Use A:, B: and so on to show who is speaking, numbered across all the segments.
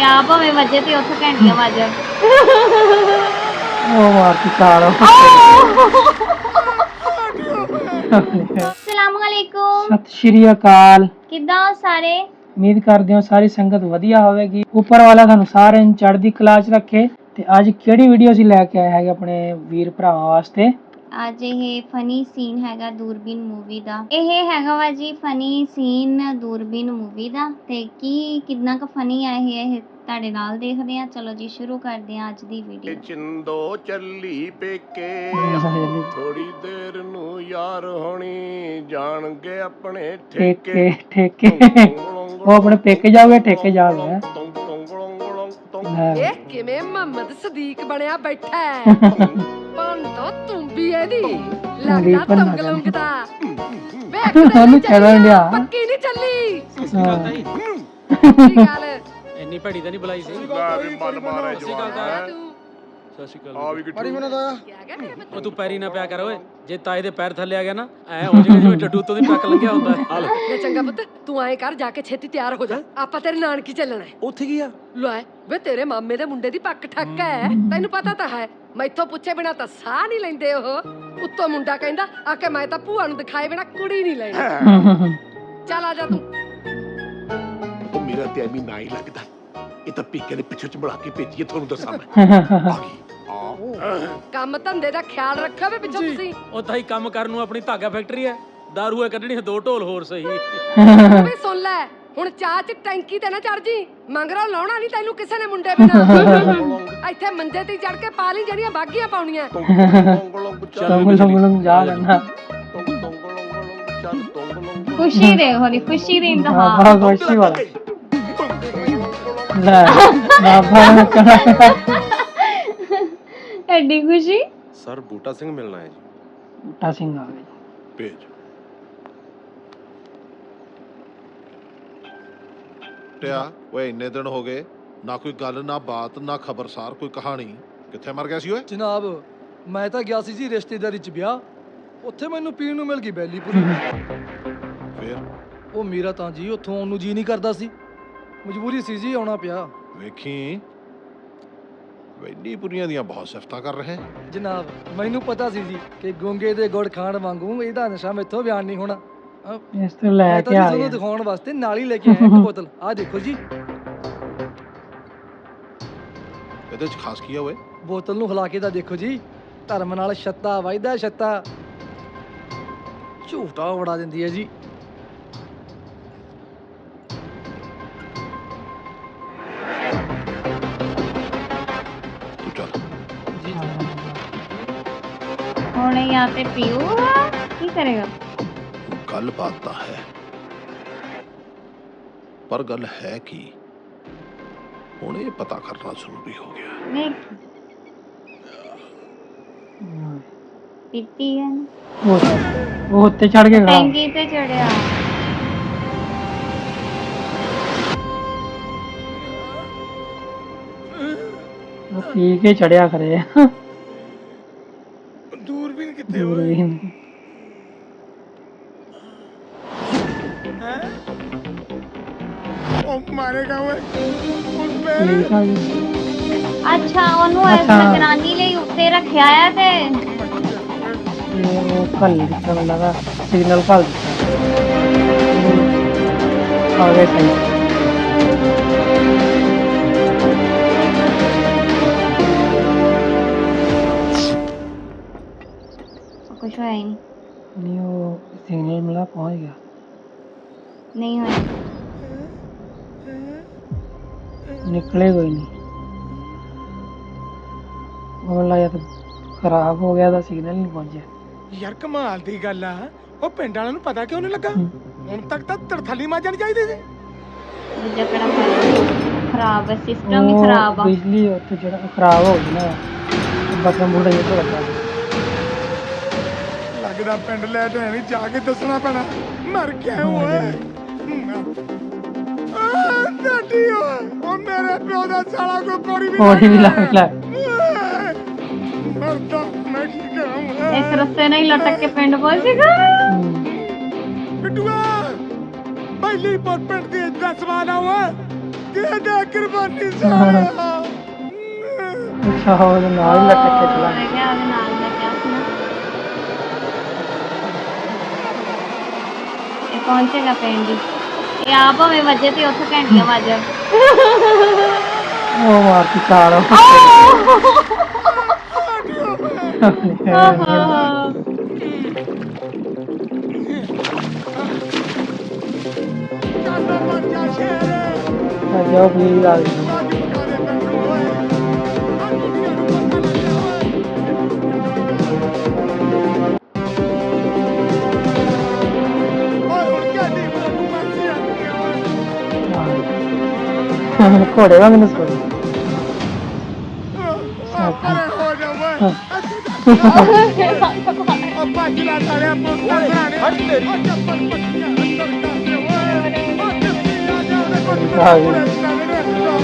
A: 50 ਭਾਵੇਂ ਵੱਜੇ ਤੇ ਉੱਥੇ ਘੰਟੀਆਂ ਵੱਜ ਜਾਣ।
B: ਉਹ ਮਾਰਤੀ ਤਾਲ।
A: ਸਲਾਮੁਅਲੈकुम।
B: ਸਤਿ ਸ਼੍ਰੀ ਅਕਾਲ।
A: ਕਿੱਦਾਂ ਹੋ ਸਾਰੇ?
B: ਉਮੀਦ ਕਰਦੇ ਹਾਂ ਸਾਰੀ ਸੰਗਤ ਵਧੀਆ ਹੋਵੇਗੀ। ਉੱਪਰ ਵਾਲਾ ਤੁਹਾਨੂੰ ਸਾਰਿਆਂ ਨੂੰ ਚੜ੍ਹਦੀ ਕਲਾ 'ਚ ਰੱਖੇ। ਤੇ ਅੱਜ ਕਿਹੜੀ ਵੀਡੀਓ ਅਸੀਂ ਲੈ ਕੇ ਆਏ ਹੈਗੇ ਆਪਣੇ ਵੀਰ ਭਰਾਵਾਂ ਵਾਸਤੇ?
A: ਅੱਜ ਇਹ ਫਨੀ ਸੀਨ ਹੈਗਾ ਦੂਰਬੀਨ ਮੂਵੀ ਦਾ। ਇਹ ਹੈਗਾ ਵਾ ਜੀ ਫਨੀ ਸੀਨ ਦੂਰਬੀਨ ਮੂਵੀ ਦਾ। ਤੇ ਕੀ ਕਿੰਨਾ ਕੁ ਫਨੀ ਆ ਇਹ ਤੁਹਾਡੇ ਨਾਲ ਦੇਖਦੇ ਆ। ਚਲੋ ਜੀ ਸ਼ੁਰੂ ਕਰਦੇ ਆ ਅੱਜ ਦੀ ਵੀਡੀਓ।
C: ਚਿੰਦੋ ਚੱਲੀ ਪੇਕੇ ਥੋੜੀ ਦੇਰ ਨੂੰ ਯਾਰ ਹੋਣੀ ਜਾਣਗੇ ਆਪਣੇ ਠੇਕੇ
B: ਠੇਕੇ ਉਹ ਆਪਣੇ ਪੇਕੇ ਜਾਓਗੇ ਠੇਕੇ ਜਾਓਗੇ।
D: ਇਹ ਕਿਵੇਂ ਮੁਹੰਮਦ ਸਦੀਕ ਬਣਿਆ ਬੈਠਾ ਹੈ। ਪੰਡੋ ਤੂੰ ਵੀ ਇਹਦੀ ਲੱਗਦਾ ਤੁੰਗਲੁੰਗ ਦਾ ਵੇਖ
B: ਉਹਨੂੰ ਚੱਲਣ ਡਿਆ।
D: ਪੱਕੀ ਨਹੀਂ ਚੱਲੀ ਕੀ ਗੱਲ
E: ਇੰਨੀ ਭੜੀ ਤਾਂ ਨਹੀਂ ਬੁਲਾਈ ਸੀ।
C: ਮਨ ਮਾਰੇ ਜਵਾਨ
E: ਸਤਿ ਸ਼੍ਰੀ ਅਕਾਲ।
C: ਆ ਵੀ ਕਿੱਥੇ
E: ਉਹ ਤੂੰ ਪੈਰੀ ਨਾ ਪਿਆ ਕਰ ਓਏ। ਜੇ ਤਾਏ ਦੇ ਪੈਰ ਥੱਲੇ ਆ ਗਿਆ ਨਾ ਐ ਹੋ ਜਾਏਗਾ ਜਿਵੇਂ ਡੱਡੂ ਤੋਂ ਦੀ ਟੱਕ ਲੰਘਿਆ ਹੁੰਦਾ। ਹਾਲ
D: ਲੈ ਚੰਗਾ ਪੁੱਤ ਤੂੰ ਐਂ ਕਰ ਜਾ ਕੇ ਛੇਤੀ ਤਿਆਰ ਹੋ ਜਾ। ਆਪਾਂ ਤੇਰੇ ਨਾਨਕੀ ਚੱਲਣਾ ਹੈ।
E: ਉੱਥੇ ਕੀ ਆ?
D: ਲੈ ਵੇ ਤੇਰੇ ਮਾਮੇ ਦੇ ਮੁੰਡੇ ਦੀ ਪੱਕ ਠੱਕ ਹੈ ਤੈਨੂੰ ਪਤਾ ਤਾਂ ਹੈ। ਮੈਥੋਂ ਪੁੱਛੇ ਬਿਨਾ ਤਾਂ ਸਾਹ ਨਹੀਂ ਲੈਂਦੇ ਉਹ। ਉੱਤੋਂ ਮੁੰਡਾ ਕਹਿੰਦਾ ਆ ਕੇ ਮੈਂ ਤਾਂ ਭੂਆ ਨੂੰ ਦਿਖਾਏ ਬਿਨਾ ਕੁੜੀ ਨਹੀਂ ਲੈਣੀ। ਚੱਲ ਆ ਜਾ ਤੂੰ।
C: ਉਹ ਮੇਰਾ ਤੇ ਐਵੇਂ ਨਾ ਹੀ ਲੱਗਦਾ। ਇਹ ਤਾਂ ਪੀਕੇ ਦੇ ਪਿੱਛੇ ਚ ਬਣਾ ਕੇ ਭੇਜੀਏ ਤੁਹਾਨੂੰ ਦੱਸਾਂ ਮੈਂ। ਆ ਗਈ
D: ਕੰਮ ਧੰਦੇ ਦਾ ਖਿਆਲ ਰੱਖੋ ਵੇ ਪਿੱਛੋਂ ਤੁਸੀਂ।
E: ਉਹ ਤਾਈ ਕੰਮ ਕਰਨ ਨੂੰ ਆਪਣੀ ਧਾਗਾ ਫੈਕਟਰੀ ਐ। ਦਾਰੂ ਐ ਕੱਢਣੀ 2 ਢੋਲ ਹੋਰ ਸਹੀ।
D: ਤੂੰ ਵੀ ਸੁਣ ਲੈ ਹੁਣ ਚਾਹ ਚ ਟੈਂਕੀ ਤੇ ਨਾ ਚੜ ਜੀ। ਮੰਗਰਾ ਲਾਉਣਾ ਨਹੀਂ ਤੈਨੂੰ ਕਿਸੇ ਨੇ ਮੁੰਡੇ ਬਿਨਾ। ਇੱਥੇ ਮੰਜੇ ਤੇ ਚੜ ਕੇ ਪਾ ਲਈ ਜਿਹੜੀਆਂ ਬਾਗੀਆਂ ਪਾਉਣੀਆਂ।
B: ਜਾ ਲੈਣਾ
A: ਖੁਸ਼ੀ ਦੇ ਹੋਰੀ ਖੁਸ਼ੀ ਦੀ ਇੰਤਹਾ।
B: ਖੁਸ਼ੀ ਵਾਲਾ ਲੈ ਬਾਬਾ ਨੇ ਕਹਾ
A: ਐਡੀ ਖੁਸ਼ੀ।
C: ਸਰ ਬੂਟਾ ਸਿੰਘ ਮਿਲਣਾ ਹੈ ਜੀ।
B: ਬੂਟਾ ਸਿੰਘ ਆ ਗਿਆ।
C: ਭੇਜ ਟਿਆ ਓਏ ਇੰਨੇ ਦਿਨ ਹੋ ਗਏ ਨਾ ਕੋਈ ਗੱਲ ਨਾ ਬਾਤ ਨਾ ਖਬਰਸਾਰ ਕੋਈ ਕਹਾਣੀ। ਕਿੱਥੇ ਮਰ ਗਿਆ ਸੀ ਓਏ?
F: ਜਨਾਬ ਮੈਂ ਤਾਂ ਗਿਆ ਸੀ ਜੀ ਰਿਸ਼ਤੇਦਾਰੀ ਚ ਵਿਆਹ। ਉੱਥੇ ਮੈਨੂੰ ਪੀਣ ਨੂੰ ਮਿਲ ਗਈ ਬੈਲੀ ਪੂਰੀ।
C: ਫੇਰ
F: ਉਹ ਮੇਰਾ ਤਾਂ ਜੀ ਉੱਥੋਂ ਆਉਣ ਨੂੰ ਜੀ ਨਹੀਂ ਕਰਦਾ ਸੀ। ਮਜਬੂਰੀ ਸੀ ਜੀ ਆਉਣਾ ਪਿਆ।
C: ਵੇਖੀ ਵੈਲੀ ਪੁਰੀਆਂ ਦੀਆਂ ਬਹੁਤ ਸਿਫਤਾਂ ਕਰ ਰਹੇ।
F: ਜਨਾਬ ਮੈਨੂੰ ਪਤਾ ਸੀ ਜੀ ਕਿ ਗੋਂਗੇ ਦੇ ਗੁੜ ਖਾਣ ਵਾਂਗੂ ਇਹਦਾ ਨਸ਼ਾ ਮੈਥੋਂ ਬਿਆਨ ਨਹੀਂ ਹੋਣਾ।
B: ਇਸ ਤੋਂ ਲੈ
F: ਮੈਂ
B: ਕੇ
F: ਤਾਂ
B: ਆ
F: ਤੁਹਾਨੂੰ
B: ਗਿਆ।
F: ਦਿਖਾਉਣ ਵਾਸਤੇ ਨਾਲ ਹੀ ਲੈ ਕੇ ਆਇਆ ਇੱਕ ਬੋਤਲ। ਆਹ ਦੇਖੋ ਜੀ
C: ਇਹਦੇ ਚ ਖਾਸ ਕੀ ਆ ਓਏ?
F: ਬੋਤਲ ਨੂੰ ਹਿਲਾ ਕੇ ਤਾਂ ਦੇਖੋ ਜੀ। ਧਰਮ ਨਾਲ ਛੱਤਾ ਵੱਜਦਾ ਛੱਤਾ। ਝੂਟਾ ਉਡਾ ਦਿੰਦੀ ਹੈ ਜੀ।
C: ਤੂੰ ਚੱਲ
A: ਹੁਣ यहाँ पे पीऊगा ਕੀ ਕਰੇਗਾ?
C: ਗੱਲ ਬਾਤ ਤਾਂ ਹੈ ਪਰ ਗੱਲ ਹੈ ਕੀ ਹੁਣ ਇਹ ਪਤਾ ਕਰਨਾ ਜ਼ਰੂਰੀ ਹੋ ਗਿਆ।
A: ਨਹੀਂ ਪੀਤੀ ਹੈ ਨਾ।
B: ਉਹ ਉੱਤੇ ਚੜ ਕੇ ਖੜਾ।
A: ਟੈਂਕੀ ਤੇ ਚੜਿਆ।
B: ਉਹ ਪੀ ਕੇ ਚੜਿਆ ਕਰੇ।
C: ਦੂਰਬੀਨ ਕਿੱਥੇ
B: ਦੂਰਬੀਨ
C: ਉਹ ਮਾਰੇਗਾ ਓਏ।
B: ਠੀਕ ਆ ਜੀ।
A: ਅੱਛਾ ਉਹਨੂੰ
B: ਅੱਛਾ।
A: ਨਿਗਰਾਨੀ ਲਈ ਉੱਤੇ ਰੱਖਿਆ ਆ ਤੇ
B: ਉਹ ਕੱਲ ਦਿੱਤਾ ਮੈਨੂੰ ਲੱਗਾ ਸਿਗਨਲ ਕੱਲ ਦਿੱਤਾ। ਆ ਗਏ ਸਹੀ।
A: ਕੁਛ ਹੋਇਆ ਹੀ ਨਹੀਂ।
B: ਨਹੀਂ ਉਹ ਸਿਗਨਲ ਮਿਲਾ ਪਹੁੰਚ ਗਿਆ।
A: ਨਹੀਂ ਹੋਇਆ।
B: ਨਿਕਲੇ ਕੋਈ ਨਹੀਂ। ਉਹ ਲੱਗਿਆ ਤਾਂ ਖਰਾਬ ਹੋ ਗਿਆ ਦਾ ਸਿਗਨਲ ਨਹੀਂ ਪਹੁੰਚਿਆ।
G: ਯਾਰ ਕਮਾਲ ਦੀ ਗੱਲ ਆ। ਉਹ ਪਿੰਡ ਵਾਲਿਆਂ ਨੂੰ ਪਤਾ ਕਿਉਂ ਨਹੀਂ ਲੱਗਾ? ਹੁਣ ਤੱਕ ਤਾਂ ਤੜਥਲੀ ਮਾਰ ਜਾਣੀ ਚਾਹੀਦੀ ਸੀ।
A: ਦੂਜਾ ਕਿਹੜਾ ਖਰਾਬ ਹੈ ਸਿਸਟਮ ਹੀ
B: ਉਹ
A: ਖਰਾਬ ਆ।
B: ਬਿਜਲੀ ਉੱਥੇ ਜਿਹੜਾ ਖਰਾਬ ਹੋ ਗਈ ਨਾ ਬਟਨ ਬੁੜਾ ਜਿਹਾ ਤੋਂ ਲੱਗਾ।
G: ਲੱਗਦਾ ਪਿੰਡ ਲੈ ਤੇ ਨਹੀਂ ਜਾ ਕੇ ਦੱਸਣਾ ਪੈਣਾ। ਮਰ ਗਿਆ ਓਏ। ਡਾਡੀ ਓਏ ਉਹ ਮੇਰੇ ਪਿਓ ਦਾ ਸਾਲਾ ਕੋ ਕੋੜੀ
B: ਵੀ ਲੱਗ ਲੈ।
G: ਮਰਦਾ ਮੈਂ ਕੀ ਕਰਾਂ ਓਏ।
A: ਇਸ ਰਸਤੇ ਨਾਲ ਹੀ ਲਟਕ ਕੇ ਪਿੰਡ ਪਹੁੰਚੇਗਾ।
G: ਬਿੱਟੂਆ ਪਹਿਲੀ ਪਰ ਪਿੰਡ ਦੀ ਇੱਜ਼ਤ ਸਵਾਲ ਆ ਓਏ। ਦੇ ਦੇ ਕੁਰਬਾਨੀ ਸਾਲਿਆ
B: ਅੱਛਾ ਉਹਦੇ ਨਾਲ ਹੀ ਲੱਟ ਕੇ ਚਲਾ
A: ਮੈਂ ਕਿਹਾ ਉਹਦੇ ਨਾਲ ਦਾ ਕਿਆ ਸੀ ਨਾ ਇਹ ਪਹੁੰਚੇਗਾ ਪਿੰਡ ਹੀ ਇਹ ਆਪ ਭਾਵੇਂ ਵਜੇ ਤੇ ਉੱਥੇ ਘੰਟੀਆਂ ਵੱਜ ਜਾਣ
B: ਉਹ ਮਾਰਤੀ ਚਾਲ
G: ਚੱਲ ਬੱਚਾ ਸ਼ੇਰ
B: ਜਾਓ ਪਲੀਜ਼ ਆ ਗਈ
G: ਬਾਕੀ ਪਕਾ ਦੇ ਮੈਨੂੰ ਓਏ ਆ ਦੁਨੀਆ ਨੂੰ ਪਤਾ ਲੱਗਿਆ ਓਏ ਹੁਣ ਕਿਆ ਦੀ ਮੈਨੂੰ ਮਰਜ਼ੀ ਆਉਂਦੀ ਓਏ
B: ਘੋੜੇ ਵਾਂਗ ਨੂੰ ਸੋਚ
G: ਅਰੇ ਹੋ ਜਾ ਓਏ ਅੱਪਾ ਜਿਲਾ ਤਾਰੇ ਪੁੱਤਾਂ ਘਰਾਣੇ ਹਟ ਤੇਰੀ ਉਹ ਚੱਪਲ ਪੱਟੀਆਂ ਅੰਦਰ ਕਰਦੇ ਓਏ ਉਹ ਚੱਪੀ ਆ ਜਾ ਉਹਦੇ ਕੋਲ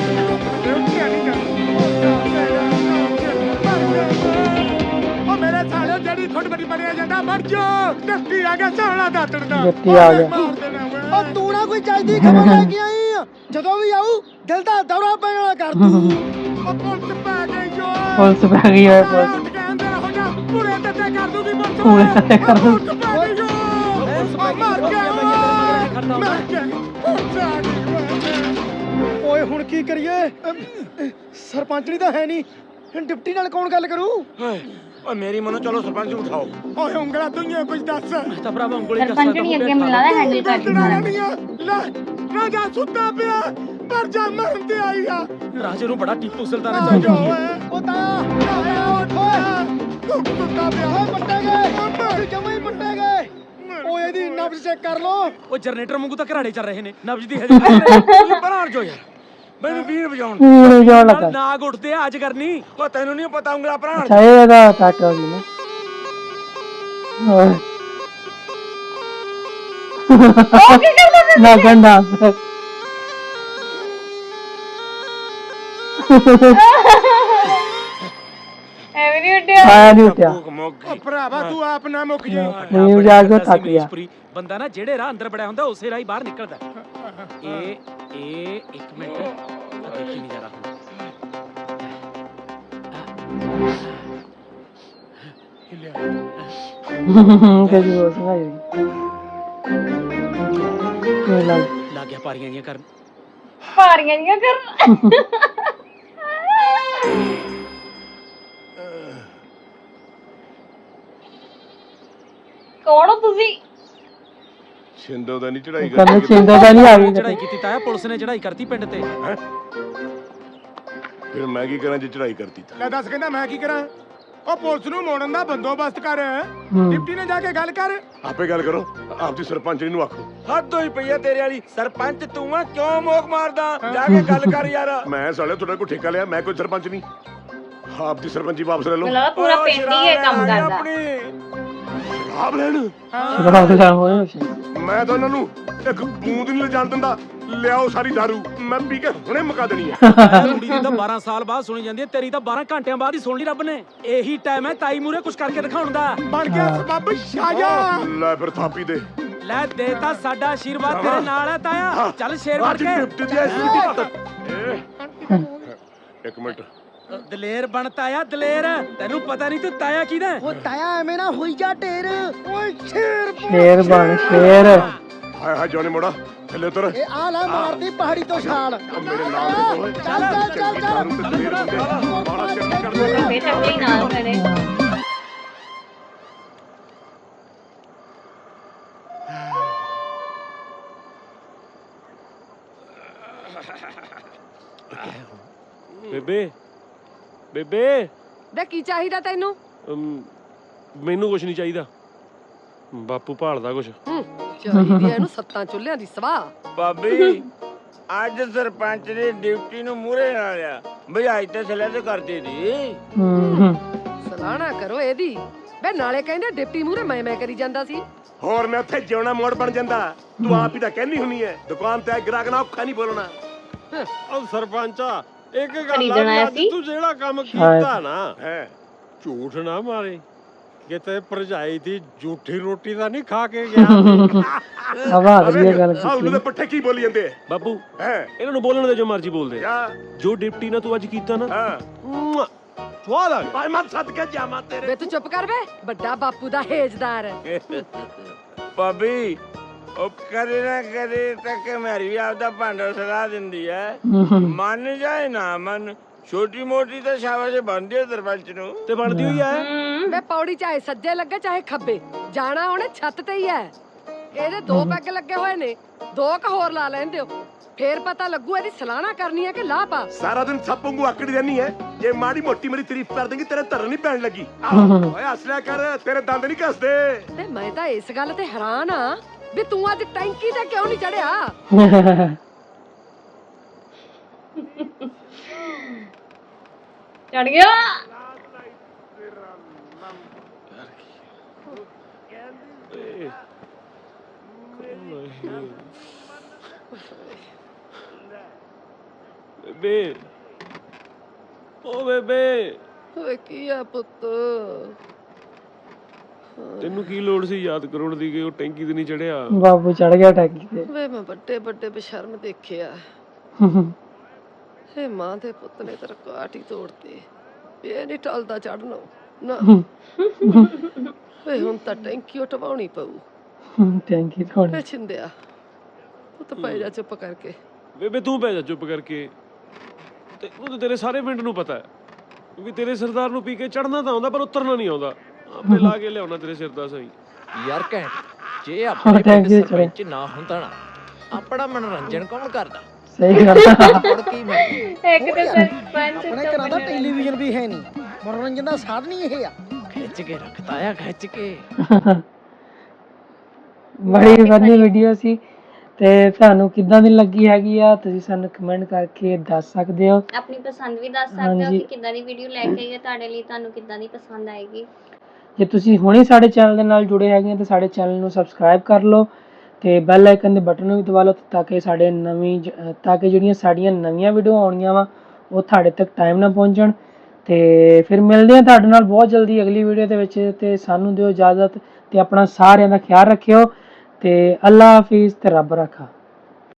G: ਉਹ ਮੇਰੇ ਸਾਲੇ ਜਿਹੜੀ ਖੁੱਡ ਬੜੀ ਬਣਿਆ ਜਾਂਦਾ ਮਰ ਜਾ ਡੱਟੀ ਆ ਗਿਆ ਸਾਲਾ ਦਾਤਣ ਦਾ
B: ਡੱਟੀ ਆ ਗਿਆ।
F: ਉਹ ਤੂੰ ਨਾ ਕੋਈ ਚਾਹੀਦੀ ਖਬਰ ਲੈ ਕੇ ਆਈ ਆ ਜਦੋਂ ਵੀ ਆਊ ਦਿਲ ਦਾ ਦੌਰਾ ਪੈਣ ਵਾਲਾ ਕਰ ਦੂੰ
G: ਉਹ ਪੁਲਿਸ ਪੈ ਗਈ ਜੋ
B: ਪੁਲਿਸ ਪੈ ਗਈ ਓਏ ਪੁਲਿਸ
G: ਉੱਠ ਕੇ ਅੰਦਰ ਹੋ ਜਾ ਪੂਰੇ ਤੇ ਕਰ ਦੂਗੀ ਪੁਲਿਸ
B: ਪੂਰੇ ਤੇ ਕਰ ਦੂ।
G: ਪੁਲਿਸ ਪੈ ਗਈ ਜੋ ਉਹ ਮਰ ਗਿਆ ਮਰ ਗਿਆ ਪੁਲਿਸ ਆ ਗਈ
F: ਓਏ ਹੁਣ ਕੀ ਕਰੀਏ ਸਰਪੰਚਣੀ ਤਾਂ ਹੈ ਨਹੀਂ ਡਿਪਟੀ ਨਾਲ ਕੌਣ ਗੱਲ ਕਰੂ
C: ਓਏ ਮੇਰੀ ਮਨੋ ਚਲੋ ਸਰਪੰਚ ਨੂੰ ਉਠਾਓ
G: ਓਏ ਉਂਗਲਾ ਦੁਨੀਆ ਕੁਝ ਦੱਸ
E: ਤਾਂ ਭਰਾਵਾ ਉਂਗਲੀ
A: ਸਰਪੰਚਣੀ ਅੱਗੇ ਮੈਨੂੰ ਲੱਗਦਾ ਹੈਂਡਲ ਕਰਦੀ ਸਾਰਾ
G: ਲੈ ਰਾਜਾ ਸੁੱਤਾ ਪਿਆ ਪਰ ਜਾ ਮਰਨ ਤੇ ਆਈ ਆ
E: ਰਾਜੇ ਨੂੰ ਬੜਾ ਟੀਪੂ ਸੁਲਤਾਨ
G: ਆ
E: ਨੇ
G: ਜਾ
E: ਚਾਹੀਦੀ
G: ਓਏ
F: ਉਹ ਤਾਂ
G: ਆਇਆ ਉੱਠ ਤੂੰ ਸੁੱਤਾ ਪਿਆ
F: ਓਏ ਪੱਟੇ ਗਏ ਜਮੇ ਹੀ ਪੱਟੇ ਗਏ ਓਏ ਇਹਦੀ ਨਬਜ਼ ਚੈੱਕ ਕਰ ਲੋ
E: ਉਹ ਜਨਰੇਟਰ ਵਾਂਗੂ ਤਾਂ ਘਰਾੜੇ ਚੱਲ ਰਹੇ ਨੇ ਨਬਜ ਦੀ ਹਜੇ ਬਣਾ ਜੋ ਯਾਰ ਮੈਨੂੰ ਵੀਰ ਵਜਾਉਣ
B: ਪੂਰੇ ਜਾਣ ਲੱਗਾ
E: ਨਾਗ ਉੱਠਦੇ ਆ ਅੱਜ ਕਰਨੀ
C: ਓ ਤੈਨੂੰ ਨਹੀਂ ਪਤਾ ਉਂਗਲਾ ਭਰਾ
B: ਅੱਛਾ ਇਹਦਾ ਕੱਟ ਹੋ ਗਈ ਨਾ ਓਏ ਨਾ ਗੰਡਾ
A: ਐਵੇਂ ਨਹੀਂ ਉੱਡਿਆ
B: ਆਇਆ ਨਹੀਂ ਉੱਠਿਆ
G: ਓ ਭਰਾਵਾ ਤੂੰ ਆਪ ਨਾ ਮੁੱਕ ਜਾ
B: ਨਹੀਂ ਜਾ ਕੇ ਥੱਕ ਗਿਆ
E: ਬੰਦਾ ਨਾ ਜਿਹੜੇ ਰਾਹ ਅੰਦਰ ਬੜਿਆ ਹੁੰਦਾ ਉਸੇ ਰਾਹ ਹੀ ਬਾਹਰ ਨਿਕਲਦਾ ਇਹ ਇੱਕ ਮਿੰਟ ਆ ਦੇਖੀ ਨਹੀਂ ਜਰਾ
B: ਕਿਹਦੀ ਬੋਲ ਸੁਣਾਈ ਇਹ
E: ਲੱਗ ਗਿਆ ਪਾਰੀਆਂ ਜੀਆਂ ਕਰਨ
A: ਭਾਰੀਆਂ ਨਹੀਂ ਕਰਨ ਕੌਣ ਹੋ ਤੁਸੀਂ
C: ਛਿੰਦੋ ਦਾ ਨਹੀਂ ਚੜਾਈ
B: ਕਹਿੰਦੇ ਚਿੰਦਾ ਤਾਂ ਨਹੀਂ ਆ ਗਈ
E: ਚੜਾਈ ਕੀਤੀ ਤਾਇਆ ਪੁਲਿਸ ਨੇ ਚੜਾਈ ਕਰਤੀ ਪਿੰਡ ਤੇ
C: ਫਿਰ ਮੈਂ ਕੀ ਕਰਾਂ ਜੇ ਚੜਾਈ ਕਰਤੀ ਤਾਂ
G: ਲੈ ਦੱਸ ਕਹਿੰਦਾ ਮੈਂ ਕੀ ਕਰਾਂ ਉਹ ਪੁਲਿਸ ਨੂੰ ਮੋੜਨ ਦਾ ਬੰਦੋਬਸਤ ਕਰ ਡਿਪਟੀ ਨੇ ਜਾ ਕੇ ਗੱਲ ਕਰ
C: ਆਪੇ ਗੱਲ ਕਰੋ ਆਪਦੀ ਸਰਪੰਚਣੀ ਨੂੰ ਆਖੋ
H: ਹੱਦ ਹੋਈ ਪਈ ਆ ਤੇਰੇ ਵਾਲੀ ਸਰਪੰਚ ਤੂੰ ਆ ਕਿਉਂ ਮੋਕ ਮਾਰਦਾ ਜਾ ਕੇ ਗੱਲ ਕਰ ਯਾਰ
C: ਮੈਂ ਸਾਲੇ ਤੁਹਾਡੇ ਕੋਲ ਠੇਕਾ ਲਿਆ ਮੈਂ ਕੋਈ ਸਰਪੰਚ ਨਹੀਂ ਆਪਦੀ ਸਰਪੰਚੀ ਵਾਪਸ ਲੈ ਲਓ
A: ਮੈਨੂੰ ਲੱਗਦਾ ਪੂਰਾ ਪਿੰਡ ਹੀ ਇਹ ਕੰਮ ਕਰਦਾ
C: ਆਪ ਲੈਣ
B: ਸ਼ਰਾਬ ਲੈਣ ਹੋਏ ਸੀ
C: ਮੈਂ ਤਾਂ ਉਹਨਾਂ ਨੂੰ ਇੱਕ ਬੂੰਦ ਨਹੀਂ ਲਿਜਾਣ ਦਿੰਦਾ ਲਿਆਓ ਸਾਰੀ ਦਾਰੂ ਮੈਂ ਪੀ ਕੇ ਹੁਣੇ ਮੁਕਾ ਦੇਣੀ ਹੈ
E: ਕੁੜੀ ਦੀ ਤਾਂ 12 ਸਾਲ ਬਾਅਦ ਸੁਣੀ ਜਾਂਦੀ ਹੈ ਤੇਰੀ ਤਾਂ 12 ਘੰਟਿਆਂ ਬਾਅਦ ਹੀ ਸੁਣ ਲਈ ਰੱਬ ਨੇ ਇਹੀ ਟਾਈਮ ਹੈ ਤਾਈ ਮੂਰੇ ਕੁਝ ਕਰਕੇ ਦਿਖਾਉਣ ਦਾ
G: ਬਣ ਗਿਆ ਸਬੱਬ ਸ਼ਾਜਾ
C: ਲੈ ਫਿਰ ਥਾਪੀ ਦੇ
E: ਲੈ ਦੇ ਤਾਂ ਸਾਡਾ ਆਸ਼ੀਰਵਾਦ ਤੇਰੇ ਨਾਲ ਹੈ ਤਾਇਆ ਚੱਲ ਸ਼ੇਰ ਬਣ
C: ਅੱਜ
E: ਕੇ
C: ਡਿਪਟੀ ਦੀ ਐਸਪੀ ਇੱਕ ਮਿੰਟ
E: ਦਲੇਰ ਬਣ ਤਾਇਆ ਦਲੇਰ ਤੈਨੂੰ ਪਤਾ ਨਹੀਂ ਤੂੰ ਤਾਇਆ ਕਿਹਦਾ
F: ਉਹ ਤਾਇਆ ਐਵੇਂ ਨਾ ਹੋਈ ਜਾ ਢੇਰ ਓਏ ਸ਼ੇਰ
B: ਸ਼ੇਰ ਬਣ ਸ਼ੇਰ
C: ਹਾਏ ਹਾਏ ਜੋਨੇ ਮੋੜਾ ਥੱਲੇ ਉਤਰ
F: ਇਹ ਆ ਲੈ ਮਾਰਦੀ ਪਹਾੜੀ ਤੋਂ ਛਾਲ
C: ਮੇਰੇ ਨਾਲ ਦੇ ਓਏ
F: ਚੱਲ
C: ਬਾਲਾ ਚੰਗੀ ਕਰਦੇ
A: ਫੇਰ ਚੱਕਲੀ ਨਾਲ ਖੜੇ
H: ਬੇਬੇ ਬੇਬੇ
D: ਵੇ ਕੀ ਚਾਹੀਦਾ ਤੈਨੂੰ
H: ਮੈਨੂੰ ਕੁਝ ਨਹੀਂ ਚਾਹੀਦਾ ਬਾਪੂ ਭਾਲਦਾ ਕੁਝ
D: ਚਾਹੀਦੀ ਐ ਇਹਨੂੰ ਸੱਤਾਂ ਚੁੱਲ੍ਹਿਆਂ ਦੀ ਸਵਾਹ
H: ਭਾਬੀ ਅੱਜ ਸਰਪੰਚ ਨੇ ਡਿਊਟੀ ਨੂੰ ਮੂਹਰੇ ਲਾ ਲਿਆ ਭਜਾਈ ਤੇ ਥੱਲੇ ਤੇ ਕਰਦੇ ਦੀ
D: ਸਲਾਹਣਾ ਕਰੋ ਇਹਦੀ ਵੇ ਨਾਲੇ ਕਹਿੰਦੇ ਡਿਪਟੀ ਮੂਹਰੇ ਮੈਂ ਕਰੀ ਜਾਂਦਾ ਸੀ
C: ਹੋਰ ਮੈਂ ਉੱਥੇ ਜਿਉਣਾ ਮੋੜ ਬਣ ਜਾਂਦਾ ਤੂੰ ਆਪ ਹੀ ਤਾਂ ਕਹਿਨੀ ਹੁੰਨੀ ਐ ਦੁਕਾਨ ਤੇ ਗ੍ਰਾਹਕ ਨਾਲ ਔਖਾ ਨਹੀਂ ਬੋਲਣਾ
H: ਉਹ ਸਰਪੰਚਾ ਇੱਕ ਗੱਲ
A: ਖਰੀਦਣਾ
H: ਆ
A: ਸੀ?
H: ਤੂੰ ਜਿਹੜਾ ਕੰਮ ਕੀਤਾ ਨਾ
C: ਹੈ
H: ਝੂਠ ਨਾ ਮਾਰੇ
G: ਕਿਤੇ ਭਰਜਾਈ ਦੀ ਝੂਠੀ ਰੋਟੀ ਤਾਂ ਨਹੀਂ ਖਾ ਕੇ ਗਿਆ ਸੀ?
B: ਹਵਾ ਵਧੀਆ ਗੱਲ
C: ਹਾਂ ਉਹਨਾਂ ਦੇ
B: ਕੀਤੀ।
C: ਪੱਠੇ ਕੀ ਬੋਲੀ ਜਾਂਦੇ ਆ
I: ਬਾਪੂ
C: ਹੈ
I: ਇਹਨਾਂ ਨੂੰ ਬੋਲਣ ਦੇ ਜੋ ਮਰਜ਼ੀ ਬੋਲਦੇ ਆ।
C: ਕਿਆ
I: ਜੋ ਡਿਪਟੀ ਨਾਲ ਤੂੰ ਅੱਜ ਕੀਤਾ ਨਾ
C: ਹਾਂ
I: ਮੁਆ, ਸਵਾਦ ਆ ਗਿਆ।
C: ਭਾਈ ਮੈਂ ਸੱਦ ਕੇ ਜਾਵਾਂ ਤੇਰੇ
D: ਵੇ ਤੂੰ ਚੁੱਪ ਕਰ ਵੇ ਵੱਡਾ ਬਾਪੂ ਦਾ ਹੇਜਦਾਰ
H: ਭਾਬੀ ਉਹ ਕਰੇ ਨਾ ਕਰੇ ਤੱਕ ਮੇਰੀ ਵੀ ਆਪਦਾ ਭਾਂਡਾ ਸਲਾਹ ਦਿੰਦੀ ਹੈ ਮੰਨ ਜਾਏ ਨਾ ਮੰਨ ਛੋਟੀ ਮੋਟੀ ਤਾਂ ਸ਼ਾਬਾਸ਼ ਬਣਦੀ ਹੈ ਸਰਪੰਚ ਨੂੰ
I: ਤੇ ਬਣਦੀ ਹੋਈ ਐ।
D: ਵੇ ਪੌੜੀ ਚਾਹੇ ਸੱਜੇ ਲੱਗੇ ਚਾਹੇ ਖੱਬੇ ਜਾਣਾ ਉਹਨੇ ਛੱਤ ਤੇ ਹੀ ਐ ਇਹਦੇ 2 ਪੈਗ ਲੱਗੇ ਹੋਏ ਨੇ 2 ਕ ਹੋਰ ਲਾ ਲੈਣ ਦਿਓ ਫੇਰ ਪਤਾ ਲੱਗੂ ਇਹਦੀ ਸਲਾਹਣਾ ਕਰਨੀ ਹੈ ਕਿ ਲਾਹ ਪਾ
C: ਸਾਰਾ ਦਿਨ ਸੱਪ ਵਾਂਗੂ ਆਕੜੀ ਰਹਿਣੀ ਹੈ ਜੇ ਮਾੜੀ ਮੋਟੀ ਮੇਰੀ ਤਾਰੀਫ ਕਰ ਦੇਂਗੀ ਤੇਰੇ ਧਰਨ ਨਹੀਂ ਪੈਣ ਲੱਗੀ ਓਏ ਹੱਸਲਿਆ ਕਰ ਤੇਰੇ ਦੰਦ ਨਹੀਂ ਕੱਸਦੇ
D: ਤੇ ਮੈਂ ਤਾਂ ਇਸ ਗੱਲ ਤੇ ਹੈਰਾਨ ਆ ਵੀ ਤੂੰ ਅੱਜ ਟੈਂਕੀ ਤੇ ਕਿਉਂ ਨਹੀਂ ਚੜਿਆ
A: ਚੜ ਗਿਆ
I: ਬੇਬੇ ਓ ਬੇਬੇ
D: ਓਏ ਕੀ ਆ ਪੁੱਤ
I: ਤੈਨੂੰ ਕੀ ਲੋੜ ਸੀ ਯਾਦ ਕਰਾਉਣ ਦੀ ਕਿ ਉਹ ਟੈਂਕੀ ਤੇ ਨਹੀਂ ਚੜਿਆ।
B: ਬਾਬੂ ਚੜ ਗਿਆ ਟੈਂਕੀ ਤੇ।
D: ਵੇ ਮੈਂ ਵੱਡੇ ਵੱਡੇ ਬਸ਼ਰਮ ਦੇਖਿਆ ਹੇ ਮਾਂ ਦੇ ਪੁੱਤ ਨੇ ਤੇਰਾ ਕਾਟ ਹੀ ਤੋੜਤੇ ਇਹ ਨਹੀਂ ਟਲਦਾ ਚੜਨੋਂ ਨਾ ਵੇ ਹੁਣ ਤਾਂ ਟੈਂਕੀ ਉਟਵਾਉਣੀ ਪਊ
B: ਟੈਂਕੀ ਥੋੜੀ।
D: ਵੇ ਛਿੰਦਿਆ ਤੂੰ ਤਾਂ ਪੈ ਜਾ ਚੁੱਪ ਕਰਕੇ
I: ਬੇਬੇ ਤੂੰ ਪੈ ਜਾ ਚੁੱਪ ਕਰਕੇ। ਤੇ ਉਹ ਤਾਂ ਤੇਰੇ ਸਾਰੇ ਪਿੰਡ ਨੂੰ ਪਤਾ ਹੈ ਵੀ ਤੇਰੇ ਸਰਦਾਰ ਨੂੰ ਪੀ ਕੇ ਚੜਨਾ ਤਾਂ ਆਉਂਦਾ ਪਰ ਉਤਰਨਾ ਨਹੀਂ ਆਉਂਦਾ। ਆਪੇ ਲਾ ਕੇ ਲਿਆਉਣਾ ਤੇਰੇ ਸਿਰ ਦਾ ਸਹੀ।
J: ਯਾਰ ਘੈਂਟ ਜੇ ਆਪਣੇ ਪਿੰਡ ਸਰਪੰਚ ਨਾ ਹੁੰਦਾ ਨਾ ਆਪਣਾ ਮਨੋਰੰਜਨ ਕੌਣ ਕਰਦਾ?
B: ਸਹੀ ਗੱਲ
J: ਹੁਣ ਕੀ ਮੈਂ
A: ਇੱਕ ਤੇ ਸਰਪੰਚ
F: ਆਪਣੇ ਘਰਾਂ ਦਾ ਟੈਲੀਵਿਜ਼ਨ ਵੀ ਹੈ ਨਹੀਂ ਮਨੋਰੰਜਨ ਦਾ ਸਾਧਨ ਹੀ ਇਹ ਆ
J: ਖਿੱਚ ਕੇ ਰੱਖਤਾ ਆ ਖਿੱਚ ਕੇ।
B: ਬੜੀ ਵਧੀਆ ਵੀਡੀਓ ਸੀ ਤੇ ਤੁਹਾਨੂੰ ਕਿੱਦਾਂ ਦੀ ਲੱਗੀ ਹੈਗੀ ਆ ਤੁਸੀਂ ਸਾਨੂੰ ਕਮੈਂਟ ਕਰਕੇ ਦੱਸ ਸਕਦੇ ਹੋ।
A: ਆਪਣੀ ਪਸੰਦ ਵੀ ਦੱਸ ਸਕਦੇ ਹੋ
B: ਹਾਂਜੀ।
A: ਕਿ ਕਿੱਦਾਂ ਦੀ ਵੀਡੀਓ ਲੈ ਕੇ ਆਈਏ ਤੁਹਾਡੇ ਲਈ ਤੁਹਾਨੂੰ ਕਿੱਦਾਂ ਦੀ ਪਸੰਦ ਆਏਗੀ।
B: ਜੇ ਤੁਸੀਂ ਹੁਣੇ ਸਾਡੇ ਚੈਨਲ ਦੇ ਨਾਲ ਜੁੜੇ ਹੈਗੇ ਤਾਂ ਸਾਡੇ ਚੈਨਲ ਨੂੰ ਸਬਸਕ੍ਰਾਈਬ ਕਰ ਲਓ ਤੇ ਬੈਲ ਆਈਕਨ ਦੇ ਬਟਨ ਨੂੰ ਵੀ ਦਬਾ ਲਓ ਤਾਂ ਕਿ ਜਿਹੜੀਆਂ ਸਾਡੀਆਂ ਨਵੀਆਂ ਵੀਡੀਓ ਆਉਣੀਆਂ ਵਾ ਉਹ ਤੁਹਾਡੇ ਤੱਕ ਟਾਈਮ ਨਾਲ ਪਹੁੰਚਣ। ਤੇ ਫਿਰ ਮਿਲਦੇ ਹਾਂ ਤੁਹਾਡੇ ਨਾਲ ਬਹੁਤ ਜਲਦੀ ਅਗਲੀ ਵੀਡੀਓ ਦੇ ਵਿੱਚ ਤੇ ਸਾਨੂੰ ਦਿਓ ਇਜਾਜ਼ਤ ਤੇ ਆਪਣਾ ਸਾਰਿਆਂ ਦਾ ਖਿਆਲ ਰੱਖਿਓ ਤੇ ਅੱਲਾ ਹਾਫਿਜ਼ ਤੇ ਰੱਬ ਰਾਖਾ।